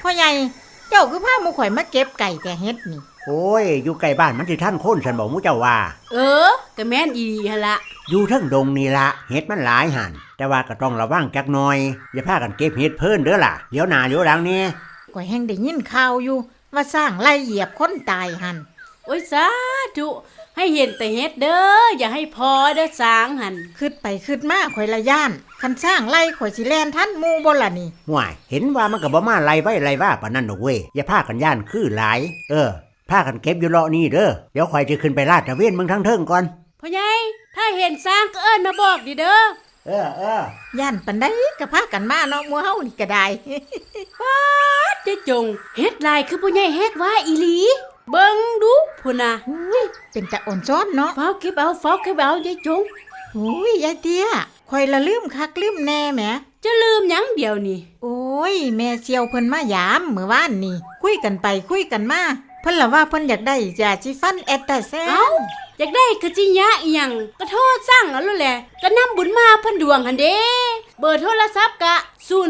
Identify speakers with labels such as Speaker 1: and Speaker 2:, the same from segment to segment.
Speaker 1: พ่อใหญ่เจ้าคือพาหมู่ข่อยมาเก็บไก่แต่เฮ็ดนี่
Speaker 2: โอ้ยอยู่ใกล้บ้านมันสิท่านคนฉันบอกหมู่เจ้าว่า
Speaker 3: ก็แม่นอีหั่นละ
Speaker 2: อยู่เทิงดงนี่ละเฮ็ดมันหลายหันแต่ว่าก็ต้องระวังจักหน่อยอย่าพากันเก็บเฮ็ดเพิ่นเด้อล่ะเดี๋ยวหน้าเดี๋ยวหลังนี่
Speaker 1: ข่อยแฮงได้ยินข่าวอยู่ว่าสร้างไล่เหยียบคนตายหั่น
Speaker 3: โอ้ยสาธุให้เห็นแต่เฮ็ดเด้ออย่าให้พอเด้อสร้างหั่น
Speaker 1: คิดไปคิดมาข่อยละย่านคันสร้างไล่ข่อยสิแล่นทันหมู่บ่ล่ะนี่
Speaker 2: ห่วยเห็นว่ามันก็บ่มาไล่ไว้ไล่ว่าปานนั้นดอกเว้ยอย่าพากันย่านคือหลายพากันเก็บอยู่เลาะนี่เด้อเดี๋ยวข่อยจะขึ้นไปลาดตระเวนเมืองทั้งเทิงก่อน
Speaker 3: พ่อใหญ่ถ้าเห็นสร้างก็เอิ้นมาบอกดิเด้
Speaker 1: อย่านปานใดก็พากันมาเนาะหมู่เฮานี่ก็ได้
Speaker 3: ป๊าดเจ๊จงเฮ็ดลายคือพ่อใหญ่เฮ็ดว่าอีหลีเบิ่งดูพุ่นน่ะ
Speaker 1: เป็นตาอ่อนซ้อนเนาะ
Speaker 3: เฝ้าเก็บเอาเจ๊จง
Speaker 1: ยายเตี้ยข่อยละลืมคักลืมแน่แหม
Speaker 3: จะลืมหยังเดียวนี่
Speaker 1: โอ้ยแม่เสี่ยวเพิ่นมายามมื้อวานนี่คุยกันไปคุยกันมาเพิ่นละว่าเพิ่นอยากได้ยาสีฟันแอตตาแซน
Speaker 3: อยากได้กะจิยะอีหยังก็โทรสั่งเอาแล้วแหละก็นำบุญมาเพิ่นดวงหั่นเด้เบอร์โทรศัพท์กะ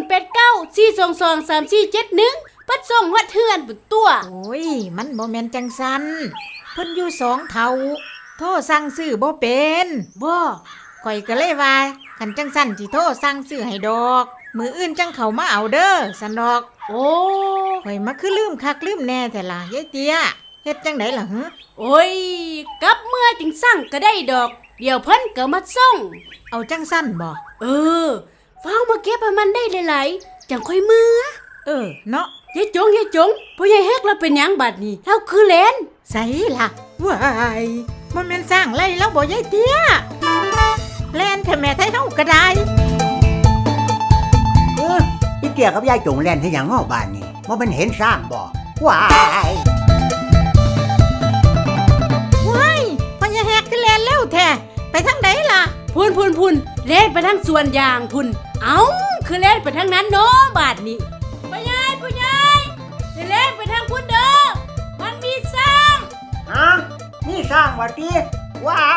Speaker 3: 0894223471ปัดส่งฮอดเฮือนพุ่นตัว
Speaker 1: โอ้ยมันบ่แม่นจังซั่นเพิ่นอยู่2เฒ่าโทรสั่งซื้อบ่เป็น
Speaker 3: บ่
Speaker 1: ข่อยก็เลยว่าคันจังซั่นสิโทรสั่งซื้อให้ดอกมื้ออื่นจังเข้ามาเอาเด้อซั่นดอก
Speaker 3: โอ้
Speaker 1: ข่อยมาคือลืมคักลืมแน่แต่ล่ะยายเตี้ยเฮ็ดจังได๋ล่ะหึ
Speaker 3: โอ้ยกลับเมื่อจึงสั่งก็ได้ดอกเดี๋ยวเพิ่นก็มาส่ง
Speaker 1: เอาจังซั่นบ่
Speaker 3: ฟ้าวมาเก็บให้มันได้หลายๆจังค่อยมื้อ
Speaker 1: เนาะ
Speaker 3: ยายจงพ่อใหญ่เฮ็กเราเป็นหยังบัดนี้เราคือแลน
Speaker 1: ไสล่ะว้ายบ่แม่นสร้างไล่แล้วบ่ยายเตี้ยแล่นแท้แม่ไทเฮาก็ได้
Speaker 2: พี่เตี้ยกับยายจงแล่นให้หยังง้อบ้านนี่บ่แม่นเห็นสร้างบ่ว้าย
Speaker 1: พ่อใหญ่แฮกคือแล่นเร็วแท้ไปทางใดล่ะ
Speaker 3: พุ่นแล่นไปทางสวนยางพุ่นเอ้าคือแล่นไปทางนั้นเนาะบาดนี้พ่อใหญ่เล่นไปทางพุ่นเด้อมันมีสร้าง
Speaker 2: นี่สร้างว่าติว้าย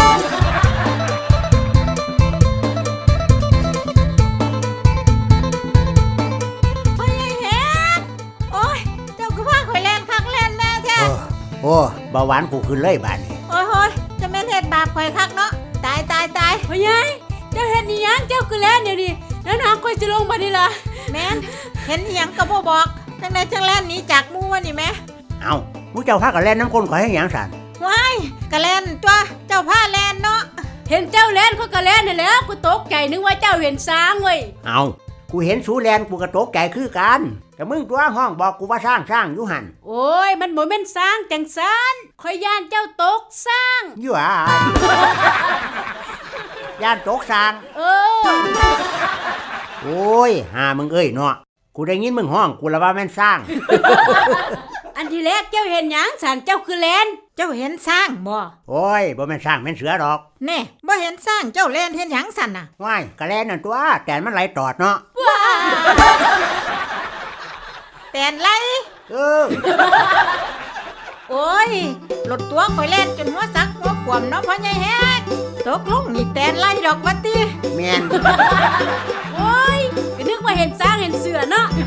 Speaker 1: พ่อใหญ่แฮกโอ้ยเจ้าคือว่าข่อยแล่นคักแล่นแน่แท้
Speaker 2: โอ้เบาหวานกูขึ้นเลยบาดนี้
Speaker 1: โอ้ยจะแม่นเฮ็ดบาปข่อยคักเนาะตาย
Speaker 3: พ่อใหญ่เจ้าเฮ็ดอีหยังเจ้าคือแล่นเดี๋ยวนี้แล้วน้าข่อยจะลงบัดนี้ล่ะ
Speaker 1: แม่นเห็นอีหยังก็บ่บอกจังได๋จังแล่นหนีจากหมู่วะนี่แม่
Speaker 2: เอ้าหมู่เจ้าพากันแล่นน้ำคนข่อยให้หยังสั่น
Speaker 1: ว้ายก็แล่นตัวเจ้าพาแล่นเนาะ
Speaker 3: เห็นเจ้าแล่นเขาก็แล่นนั่นแหละกูตกใจนึกว่าเจ้าเห็นช้างเว้ย
Speaker 2: เอ้ากูเห็นสูแล่นกูก็ตกใจคือกันแต่มึงตัวห้องบอกกูว่าสร้างอยู่หั่น
Speaker 3: โอ้ยมันบ่แม่นช้างจังซั่นข่อยย่านเจ้าตกช้าง
Speaker 2: อยู่อ่ะย่านตกสร้างโอ้ยหามึงเอ้ยเนาะกูได้ยินมึงห้องกูละว่าแม่นสร้าง
Speaker 3: อันที่แรกเจ้าเห็นหยังสันเจ้าคือแลน
Speaker 1: เจ้าเห็นสร้างบ่
Speaker 2: โอ้ยบ่แม่นสร้างแม่นเสือดอก
Speaker 1: แน่บ่เห็นสร้างเจ้าแล่นเห็นหยังสั่นน่ะ
Speaker 2: ว้ายก็แล่นนั่นตัวแต่มันไหลตอดเนาะ
Speaker 1: แต่นไหลโอ้ยรถตัวข่อยแล่นจนหัวซักหัวขวมเนาะพ่อใหญ่แฮกตกลงนี่แต่นไหลดอกว่าติ
Speaker 2: แม่น
Speaker 3: โอ้ยก็นึกว่าเห็นสร้างเห็นเสือเนาะ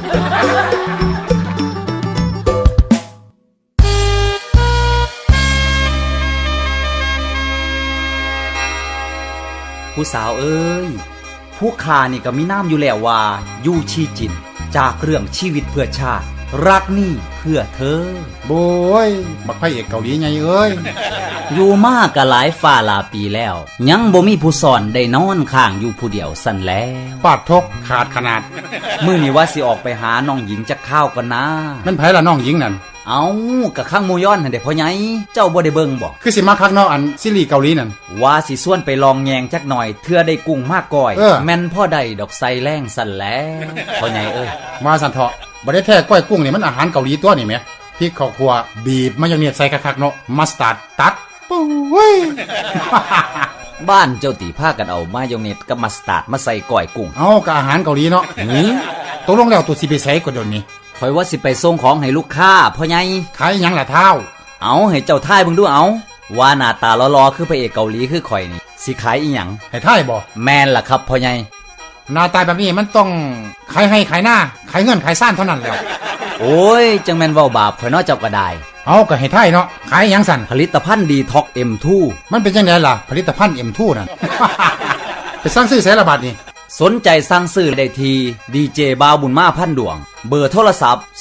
Speaker 4: ผู้สาวเอ้ยผู้ข้านี่ก็มีน้ำอยู่แล้วว่ายู่ชีจินจากเรื่องชีวิตเพื่อชาติรักนี่เพื่อเธอ
Speaker 5: โบยบักพระเอกเกาหลีไงเอ้ย
Speaker 4: อยู่มากก็หลายฝ่าหลายปีแล้วยังบ่มีผู้สอนได้นอนข้างอยู่ผู้เดียวสั่นแล้ว
Speaker 5: ปาดทกขาดขนาด
Speaker 4: มื้อนี้ว่าสิออกไปหาน้องหญิงจักข้าวกันนะ
Speaker 5: มันไผล่ะน้องหญิงนั่น
Speaker 4: เอากะข้างหมู่ย้อนหั่นเด้พ่อใหญ่เจ้าบ่ได้เบิ่งบ่
Speaker 5: คือสิมาคักเนาะอันซีรีส์เกาหลีนั่น
Speaker 4: ว่าสิส่วนไปลองแยงจักหน่อยเทื่อได้กุ้งมากก่อยแม่นพ่อได้ดอกไซแรงสั่นแล้วพ่อใหญ่เอ้ย
Speaker 5: มาสั่นเถาะบ่ได้แท้ก้อยกุ้งนี่มันอาหารเกาหลีตัวนี่แหมพริกข้าวคั่วบีบมายองเนสใส่คักๆเนาะมัสตาร์ดตัดปุ้ย
Speaker 4: บ้านเจ้าตีพากันเอามายองเนสกับมัสตาร์ดมาใส่ก้อยกุ้ง
Speaker 5: เอาก็อาหารเกาหลีเนาะตกลงแล้วตัวสิไปใส่ก็โดนนี่
Speaker 4: ข่อยว่าสิไปส่งของให้ลูกค้าพ่อใหญ่
Speaker 5: ขายหยังล่ะเท้า
Speaker 4: เอาให้เจ้าทายเบิ่งดูเอาว่าหน้าตาหล่อๆคือพระเอกเกาหลีคือข่อยนี่สิขายอีหยัง
Speaker 5: ให้ทายบ่
Speaker 4: แม่นล่ะครับพ่อใหญ่
Speaker 5: หน้าตาแบบนี้มันต้องขายให้ขายหน้าขายเงินขายซ่านเท่านั้นแหละ
Speaker 4: โอ้ยจังแม่นเว้าบาปข่อยเนาะเจ้าก็ได้
Speaker 5: เอาก็ให้ท่ายเนาะขายหยังสั่น
Speaker 4: ผลิตภัณฑ์ดีท็อก M2
Speaker 5: มันเป็นจังไดล่ะผลิตภัณฑ์ M2 นั่น ไปสั่งซื้อไสละบาดนี่
Speaker 4: สนใจสั่งซื้อได้ที่ดีเจบาวบุญมาพันดวง เบอร์โทรศัพท์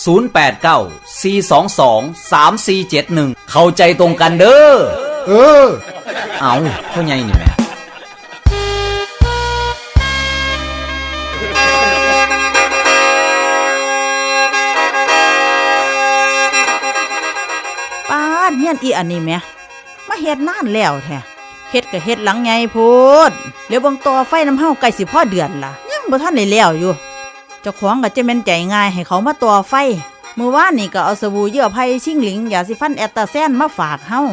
Speaker 4: 0894223471 เข้าใจตรงกันเด้อ
Speaker 5: เออ
Speaker 4: เอาพ่อใหญ่นี่แหม่
Speaker 6: ป้านเฮียนอีอันนี้แหมมาเฮ็ดนานแล้วแท้เฮ็ดก็เฮ็ดหลังใหญ่โพดเดี๋ยวเบิ่งต่อไฟน้ำเฮาใกล้สิพอเดือนล่ะยังบ่ทันได้แล้วอยู่เจ้าของก็จะแม่นใจง่ายให้เขามาต่อไฟมื้อวานนี่ก็เอาสบู่เยื่อไผ่ชิงหลิงยาสีฟันแอตตาแซนมาฝากเฮา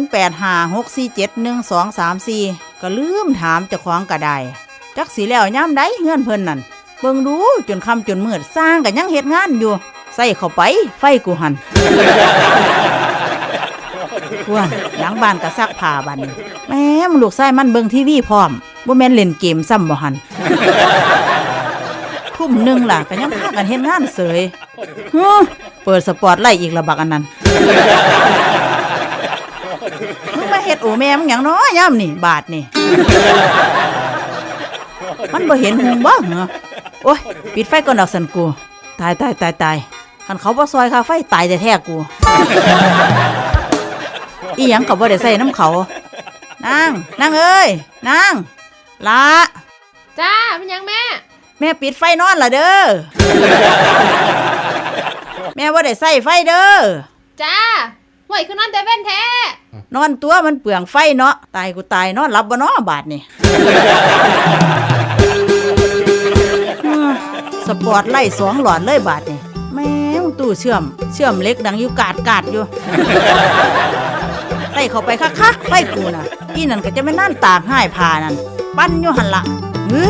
Speaker 6: 0856471234ก็ลืมถามเจ้าของก็ได้จักสิแล้วยามใดเฮือนเพิ่นนั่นเบิ่งดูจนค่ำจนมืดสร้างก็ยังเฮ็ดงานอยู่ใส่เข้าไปไฟกูหัน ว่านหลังบ้านก็ซักผ้าบัดนแม่มลูกชายมันเบิ่งทีวีพร้อมบ่แม่นเล่นเกมซ้ำบ่หัน ทุ่มหนึงล่ะก็ยังพากันเฮ็ดงานเสยเปิดสปอตไลท์อีกละบักอันนั้น มึงมาเฮ็ดโอแม่มึงหยังน้อยามนี่บาทนี่ มันบ่เห็นหุงบ่เหรอโอ้ยปิดไฟก่อนดอกสันกูตายคันเขาบ่ซอยค่าไฟตายแท้ๆกู อีหยังก็บ่ได้ใส่น้ำเขานางเอ้ยนางละ
Speaker 3: จ้าเป็นยังแม่
Speaker 6: แม่ปิดไฟนอนละเด้อ แม่บ่ได้ใส่ไฟเด้อ
Speaker 3: จ้าห่วยคือนอนแต่เว้นแท้
Speaker 6: นอนตัวมันเปลืองไฟเนาะตายกูตายนอนหลับบ่เนาะบาดนี่ สปอร์ตไล่2 หลอดเลยบาดนี่แม่งตู้เชื่อมเหล็กดังอยู่กาดอยู่ ใส่เข้าไปคักๆไฟกูน่ะอีนั่นก็จะไม่นั่นตากให้พานั่นปั้นอยู่หันละเฮ้ย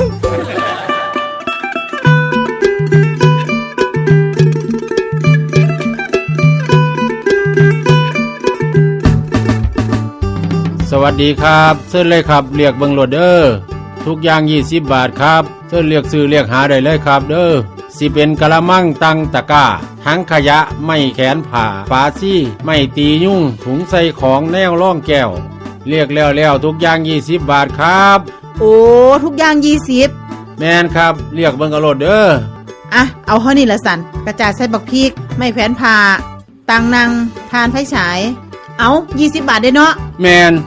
Speaker 7: สวัสดีครับเชิญเลยครับเรียกเบิงโหลดเด้อทุกอย่าง20 บาทครับเชิญเรียกซื้อเรียกหาได้เลยครับเด้อสิเป็นกะละมังตังตะกร้าทั้งขยะไม่แขนผ่าฝาซี่ไม่ตียุ่งถุงใส่ของแนวร่องแก้วเรียกแล้วทุกอย่าง20 บาทครับ
Speaker 8: โอ้ทุกอย่าง20
Speaker 7: แม่นครับเรียกเบิงกะโหลดเด้อ
Speaker 8: อ่ะเอาเท่านี้ละสันกระจาดใส่บักพริกไม่แผนผ่าตังนังทานไฟฉายเอา20 บาทได้เนาะ
Speaker 7: แม่น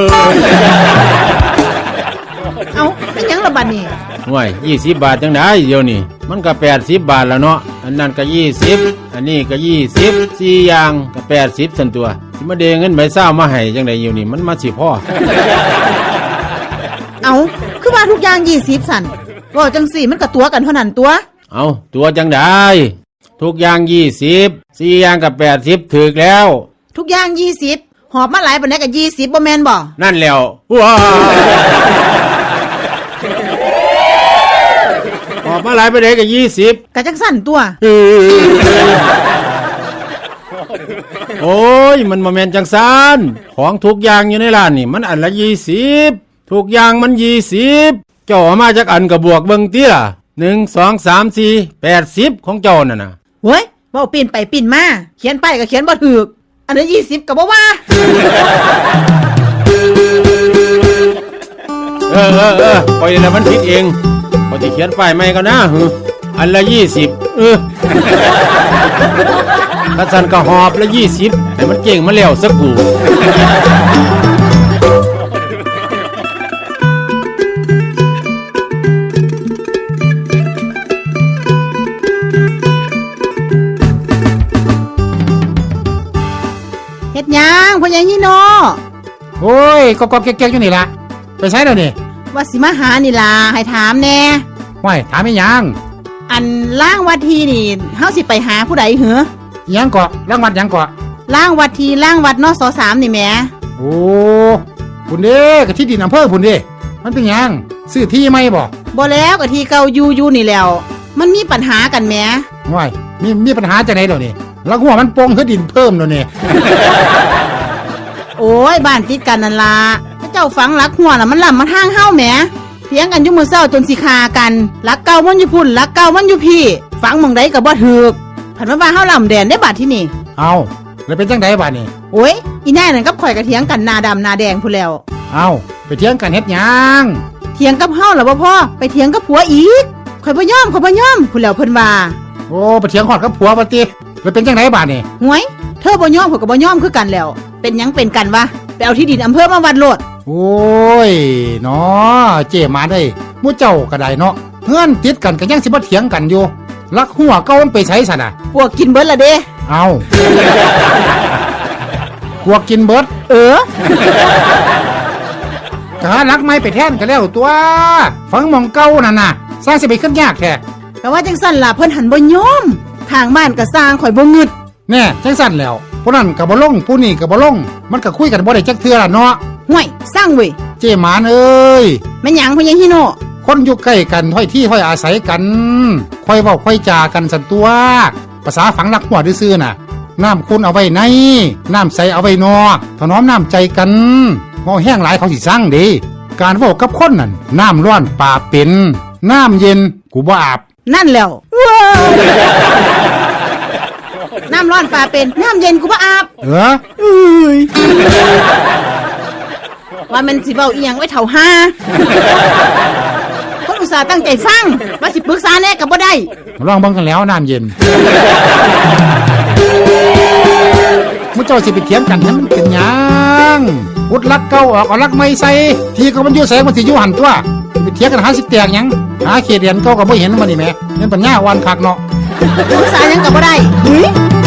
Speaker 8: เอาเป็นหยังละบัดนี่
Speaker 7: ห่วย20 บาทจังได๋เดี๋ยวนี้มันก็80 บาทแล้วเนาะอันนั้นก็20อันนี้ก็20 4อย่างก็80ซั่นตัวสิมาเดเงินใบเศร้ามาให้จังได๋อยู่นี่มันมาสิพอ
Speaker 8: เอาคือว่าทุกอย่าง20สันว่าจังสี่มันก็ตัวกันเท่านั้นตัว
Speaker 7: เอาตัวจังได้ทุกอย่าง20 4อย่างกับ80ถึกแล้ว
Speaker 8: ทุกอย่าง20หอบมาหลายปานใดก็20บ่แม่นบ่
Speaker 7: นั่นแล้วว้าออกมาหลายไปเลยกับ20
Speaker 8: ก็จังสั่นตัว
Speaker 7: โอ้ยมันมาแมนจังซานของทุกอย่างอยู่ในร้านนี่มันอันละ20ทุกอย่างมัน20เจ้าเอามาจากอันกับบวกเบิ่งติล่ะ1 2 3 4 80ของเจ้านั่นน่ะ
Speaker 8: เว้ยเว้าปีนไปปีนมาเขียนไปก็เขียนบ่ถูกอันนั้น20ก็บ่ว่า
Speaker 7: ปล่อยแล้วมันผิดเองพอจะเขียนป้ายใหม่ก็นะอันละ20ถ้าสันก็หอบละ20ให้มันเก่งมาแล้วสักกู
Speaker 8: เฮ็ดหยังพ่อใหญ่ฮีโน
Speaker 5: โอ้ยก็เก๊กๆอยู่นี่ล่ะไปใช้แล้วนี่
Speaker 8: ว่าสิมาหานี่ล่ะให้ถามแน่
Speaker 5: ห้วยถามอีหยัง
Speaker 8: อันล่างวัดทีนี่เฮาสิไปหาผู้ใดเหรอ
Speaker 5: อีหยังเกาะรางวัดหยังเกาะ
Speaker 8: ล่างวัดทีล่างวัดนส3นี่แหม
Speaker 5: โอ้พุ่นเด้ก็ที่ดินอำเภอพุ่นเด้มันเป็นหยังซื้อที่ไหมบ่
Speaker 8: บ่แล้วก็ที่เก่าอยู่นี่แล้ว มันมีปัญหากันแหม
Speaker 5: ห้วยมีปัญหาจังได๋ดอกนี่แล้วหัวมันโป่งคือดินเพิ่มแล้วนี่
Speaker 8: โอ้ยบ้านติดกันนั่นล่ะเจ้าฝังหลักหัวน่ะมันล้ำมาทางเฮาแหมเถียงกันอยู่มื้อเช้าจนสิฆ่ากันหลักเก่ามันอยู่พุ่นหลักเก่ามันอยู่พี่ฝังหม่องใดก็บ่ถูกไผผันมาว่าเฮาลำแดนได้บาดที่นี่
Speaker 5: เอาแล้วเป็นจังไดบาดนี่
Speaker 8: โอ้ยอีนายนั่นกับข่อยกระเถียงกันหนาดำหนาแดงพู้นแล้ว
Speaker 5: เอาไปเถียงกันเฮ็ดหยัง
Speaker 8: เถียงกับเฮาล่ะบ่พ่อไปเถียงกับผัวอีกข่อยบ่ยอมพู้นแล้วเพิ่นว่า
Speaker 5: โอ้ไปเถียงฮอดกับผัวบ่ติแล้วเป็นจังไดบาดนี่
Speaker 8: หวยเธอบ่ยอมข่อยก็บ่ยอมคือกันแล้ว เป็นหยังเป็นกันวะไปเอาที่ดินอำเภอมาวัดโลด
Speaker 5: โอ้ยเนาะเจมาได้หมู่เจ้าก็ได้เนาะเฮือนติดกันก็ยังสิบ่เถียงกันอยู่ลักหัวเก่ามันไปไสซั่นน่ะ
Speaker 8: พวกกินเบิดละเด้
Speaker 5: เอาพวกกินเบิด กหาลักไม้ไปแทนก็แล้วตัวฝังหมองเก่านั่นน่ะสร้างสิไปขึ้นยากแท้
Speaker 8: ก็ว่าจังซั่นล่ะเพิ่นหันบ่ยอมข้างบ้านก็สร้างข่อยบ่งึด
Speaker 5: แน่จังสั่นแล้วผู้นั้นก็บ่ลงผู้นี้ก็บ่ลงมันก็คุยกันบ่ได้จักเทื่อล่ะเนาะ
Speaker 8: ห่วยสร้างเว้ย
Speaker 5: เจหมานเอ้ย
Speaker 8: แม่นหยังพ่อใหญ่ฮิโน
Speaker 5: คนอยู่ใกล้กันถ้อยที่ถ้อยอาศัยกันค่อยเว้าค่อยจากันสันตัวภาษาฝังลักหัวซื่อๆน่ะน้ำคุณเอาไว้ในน้ำใสเอาไว้นอกถนอมน้ำใจกันเมาแห้งหลายเขาสิสั่งเด้การเว้ากับคนนั่นน้ำร้อนป่าเป็นน้ำเย็นกูบ่อาบ
Speaker 8: นั่นแล้วว้าวน้ำร้อนปลาเป็นน้ำเย็นกูบ่อาบ ว่ามันสิเว้าอีหยังไว้เท่าห้าคนอุตส่าห์ตั้งใจฟังว่าสิปรึกษาแน่ก็บ่ได้
Speaker 5: ลองเบิ่งกันแล้วน้ำเย็นมุเจ้าสิไปเถียงกันให้มันเป็นหยังพุดลักเก่าออกเอาลักไม่ใส่ทีก็มันอยู่ใส่มันสิอยู่หันตัวไปเถียงกันหาสิแตกหยังหาเขตเรียนเก่าก็บ่เห็นมันนี่แหมเงินปัญญาอ่อนคักเนาะ
Speaker 8: ปรึกษาหยังก็บ่ได้เฮ้ย